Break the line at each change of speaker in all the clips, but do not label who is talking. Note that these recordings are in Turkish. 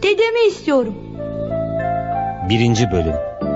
Dedemi istiyorum.
1. Bölüm.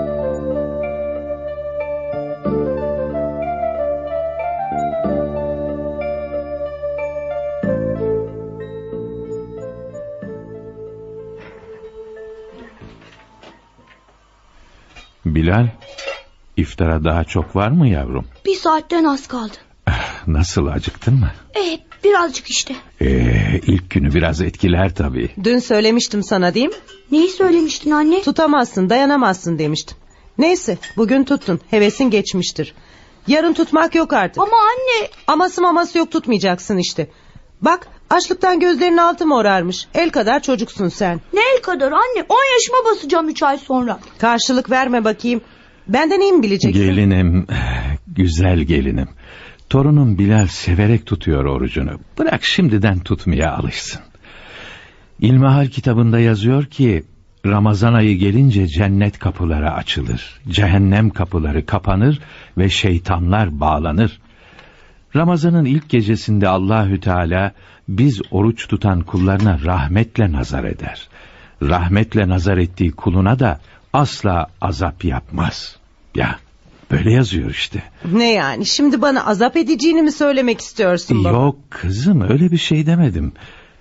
Bilal, iftara daha çok var mı yavrum?
1 saatten az kaldı.
Nasıl, acıktın mı?
Birazcık işte.
İlk günü biraz etkiler tabii.
Dün söylemiştim sana, değil mi?
Neyi söylemiştin anne?
Tutamazsın, dayanamazsın demiştim. Neyse, bugün tuttun, hevesin geçmiştir. Yarın tutmak yok artık.
Ama anne...
Aması maması yok, tutmayacaksın işte. Bak, açlıktan gözlerinin altı morarmış. El kadar çocuksun sen.
Ne el kadar anne? 10 yaşıma basacağım 3 ay sonra.
Karşılık verme bakayım. Benden iyi mi bileceksin?
Gelinim, güzel gelinim. Torunum Bilal severek tutuyor orucunu. Bırak şimdiden tutmaya alışsın. İlmihal kitabında yazıyor ki Ramazan ayı gelince cennet kapıları açılır, cehennem kapıları kapanır ve şeytanlar bağlanır. Ramazanın ilk gecesinde Allahü Teala biz oruç tutan kullarına rahmetle nazar eder. Rahmetle nazar ettiği kuluna da asla azap yapmaz. Ya böyle yazıyor işte.
Ne yani, şimdi bana azap edeceğini mi söylemek istiyorsun baba?
Yok kızım, öyle bir şey demedim.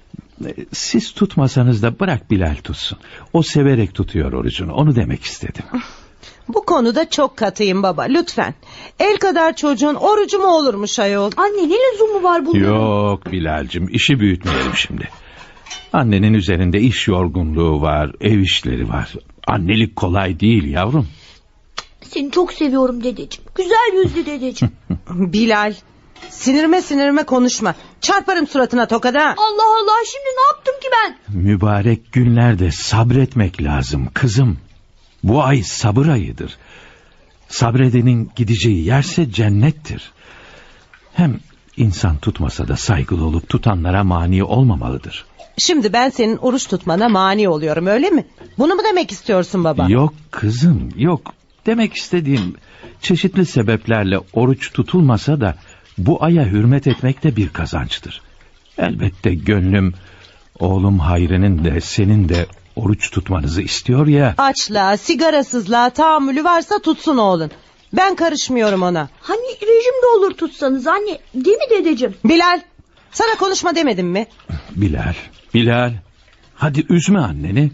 Siz tutmasanız da bırak Bilal tutsun. O severek tutuyor orucunu, onu demek istedim.
Bu konuda çok katıyım baba, lütfen. El kadar çocuğun orucu mu olurmuş ayol?
Anne ne lüzumu var bunların?
Yok Bilal'cim, işi büyütmeyelim şimdi. Annenin üzerinde iş yorgunluğu var, ev işleri var. Annelik kolay değil yavrum.
Seni çok seviyorum dedeciğim. Güzel yüzlü dedeciğim.
Bilal, sinirime konuşma. Çarparım suratına tokada.
Allah Allah, şimdi ne yaptım ki ben?
Mübarek günlerde sabretmek lazım kızım. Bu ay sabır ayıdır. Sabredenin gideceği yerse cennettir. Hem insan tutmasa da saygılı olup tutanlara mani olmamalıdır.
Şimdi ben senin oruç tutmana mani oluyorum, öyle mi? Bunu mu demek istiyorsun baba?
Yok kızım, yok. Demek istediğim, çeşitli sebeplerle oruç tutulmasa da bu aya hürmet etmek de bir kazançtır. Elbette gönlüm oğlum Hayri'nin de senin de oruç tutmanızı istiyor ya.
Açlığa, sigarasızlığa tahammülü varsa tutsun oğlun. Ben karışmıyorum ona.
Hani rejimde olur tutsanız anne, değil mi dedeciğim?
Bilal, sana konuşma demedim mi?
Bilal, hadi üzme anneni.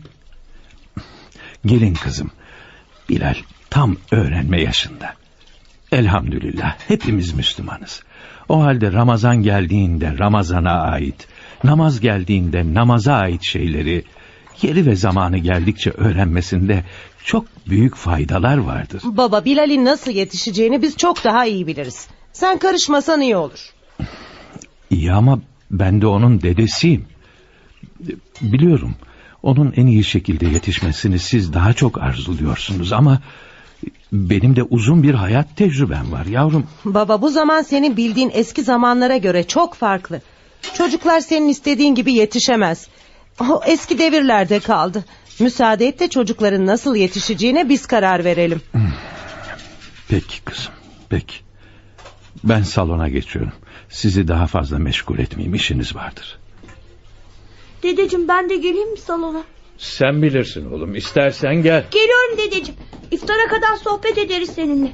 Gelin kızım, Bilal tam öğrenme yaşında. Elhamdülillah hepimiz Müslümanız. O halde Ramazan geldiğinde Ramazan'a ait, namaz geldiğinde namaza ait şeyleri yeri ve zamanı geldikçe öğrenmesinde çok büyük faydalar vardır.
Baba, Bilal'in nasıl yetişeceğini biz çok daha iyi biliriz. Sen karışmasan iyi olur.
İyi ama ben de onun dedesiyim. Biliyorum, onun en iyi şekilde yetişmesini siz daha çok arzuluyorsunuz ama benim de uzun bir hayat tecrübem var yavrum.
Baba, bu zaman senin bildiğin eski zamanlara göre çok farklı. Çocuklar senin istediğin gibi yetişemez. O eski devirlerde kaldı. Müsaade et de çocukların nasıl yetişeceğine biz karar verelim.
Peki kızım, peki. Ben salona geçiyorum. Sizi daha fazla meşgul etmeyeyim, işiniz vardır.
Dedeciğim, ben de geleyim mi salona?
Sen bilirsin oğlum, istersen gel.
Geliyorum dedeciğim. İftara kadar sohbet ederiz seninle.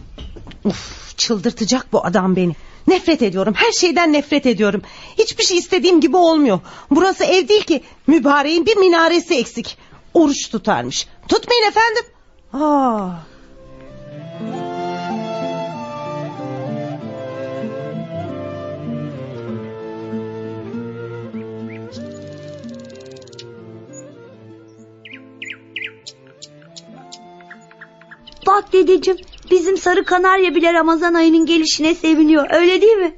Uf, çıldırtacak bu adam beni. Nefret ediyorum, her şeyden nefret ediyorum. Hiçbir şey istediğim gibi olmuyor. Burası ev değil ki, mübareğin bir minaresi eksik. Oruç tutarmış. Tutmayın efendim.
Bak dedeciğim, bizim sarı kanarya bile Ramazan ayının gelişine seviniyor, öyle değil mi?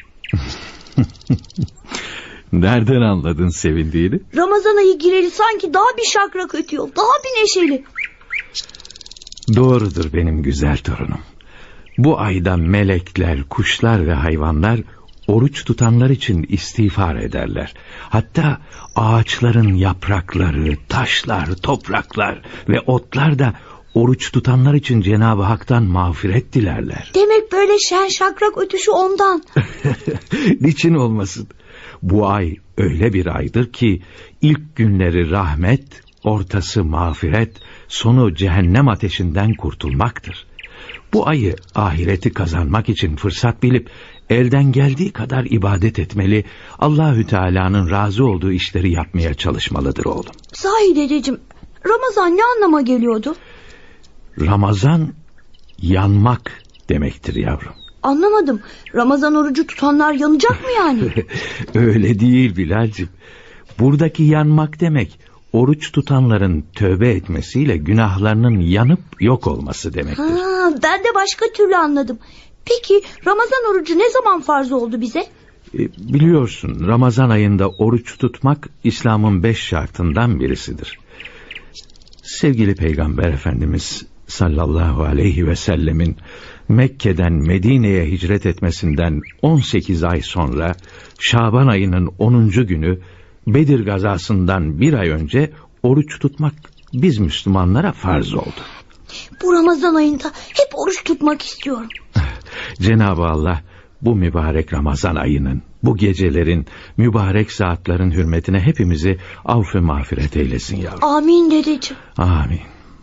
Nereden anladın sevindiğini?
Ramazan ayı gireli sanki daha bir şakrak ötüyor, daha bir neşeli.
Doğrudur benim güzel torunum. Bu ayda melekler, kuşlar ve hayvanlar oruç tutanlar için istiğfar ederler. Hatta ağaçların yaprakları, taşlar, topraklar ve otlar da Oruç tutanlar için Cenab-ı Hak'tan mağfiret dilerler.
Demek böyle şen şakrak ötüşü ondan.
Niçin olmasın? Bu ay öyle bir aydır ki ilk günleri rahmet, ortası mağfiret, sonu cehennem ateşinden kurtulmaktır. Bu ayı ahireti kazanmak için fırsat bilip elden geldiği kadar ibadet etmeli, Allahü Teala'nın razı olduğu işleri yapmaya çalışmalıdır oğlum.
Sahi dedeciğim, Ramazan ne anlama geliyordu?
Ramazan yanmak demektir yavrum.
Anlamadım. Ramazan orucu tutanlar yanacak mı yani?
Öyle değil Bilal'cim. Buradaki yanmak demek, oruç tutanların tövbe etmesiyle günahlarının yanıp yok olması demektir.
Ben de başka türlü anladım. Peki Ramazan orucu ne zaman farz oldu bize?
Biliyorsun, Ramazan ayında oruç tutmak İslam'ın 5 şartından birisidir. Sevgili Peygamber Efendimiz sallallahu aleyhi ve sellemin Mekke'den Medine'ye hicret etmesinden 18 ay sonra Şaban ayının 10. günü Bedir gazasından bir ay önce oruç tutmak biz Müslümanlara farz oldu.
Bu Ramazan ayında hep oruç tutmak istiyorum.
Cenab-ı Allah bu mübarek Ramazan ayının, bu gecelerin, mübarek saatlerin hürmetine hepimizi affı mağfiret eylesin yavrum.
Amin dedeciğim.
Amin.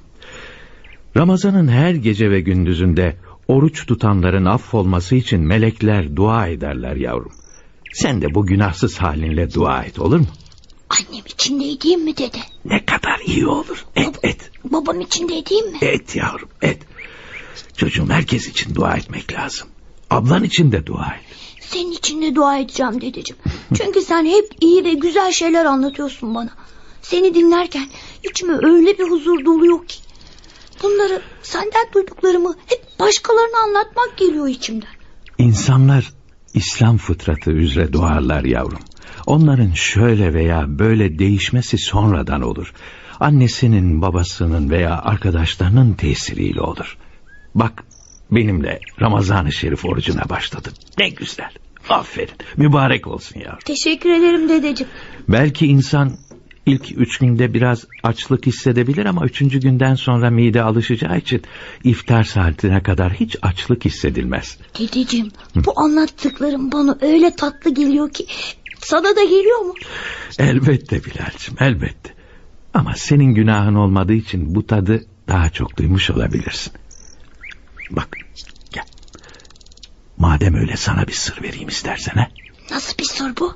Ramazanın her gece ve gündüzünde oruç tutanların affolması için melekler dua ederler yavrum. Sen de bu günahsız halinle dua et, olur mu?
Annem için de edeyim mi dede?
Ne kadar iyi olur. Et.
Babam için de edeyim mi?
Et yavrum, et. Çocuğum, herkes için dua etmek lazım. Ablan için de dua et.
Senin için de dua edeceğim dedeciğim. Çünkü sen hep iyi ve güzel şeyler anlatıyorsun bana. Seni dinlerken içime öyle bir huzur doluyor ki. Bunları, senden duyduklarımı hep başkalarına anlatmak geliyor içimden.
İnsanlar İslam fıtratı üzere doğarlar yavrum. Onların şöyle veya böyle değişmesi sonradan olur. Annesinin, babasının veya arkadaşlarının tesiriyle olur. Bak, benimle Ramazan-ı Şerif orucuna başladın. Ne güzel. Aferin. Mübarek olsun yavrum.
Teşekkür ederim dedeciğim.
Belki insan ilk 3 günde biraz açlık hissedebilir ama 3. günden sonra mide alışacağı için iftar saatine kadar hiç açlık hissedilmez.
Dedeciğim, bu anlattıklarım bana öyle tatlı geliyor ki. Sana da geliyor mu?
Elbette Bilal'cim, elbette. Ama senin günahın olmadığı için bu tadı daha çok duymuş olabilirsin. Bak, gel. Madem öyle, sana bir sır vereyim istersen. He?
Nasıl bir sır bu?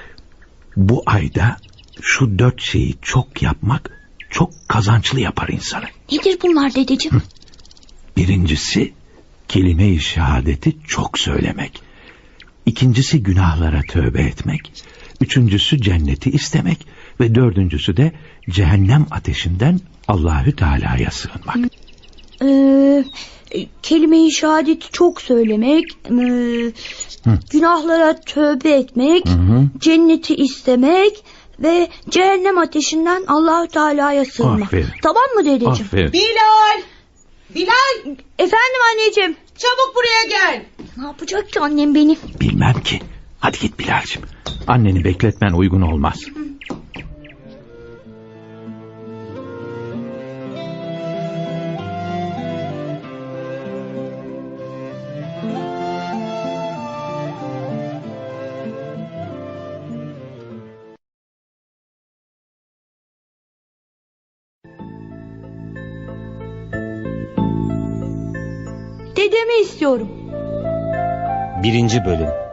Bu ayda şu 4 şeyi çok yapmak çok kazançlı yapar insanı.
Nedir bunlar dedeciğim?
Birincisi, kelime-i şehadeti çok söylemek. İkincisi, günahlara tövbe etmek. Üçüncüsü, cenneti istemek. Ve dördüncüsü de cehennem ateşinden Allahü Teala'ya sığınmak.
Kelime-i şehadeti çok söylemek, günahlara tövbe etmek, cenneti istemek ve cehennem ateşinden Allahü Teala'ya sığınmak.
Aferin.
Tamam mı dedeciğim?
Aferin.
Bilal!
Efendim anneciğim.
Çabuk buraya gel.
Ne yapacak ki annem beni?
Bilmem ki. Hadi git Bilal'cim. Anneni bekletmen uygun olmaz.
Dedemi istiyorum.
1. bölüm.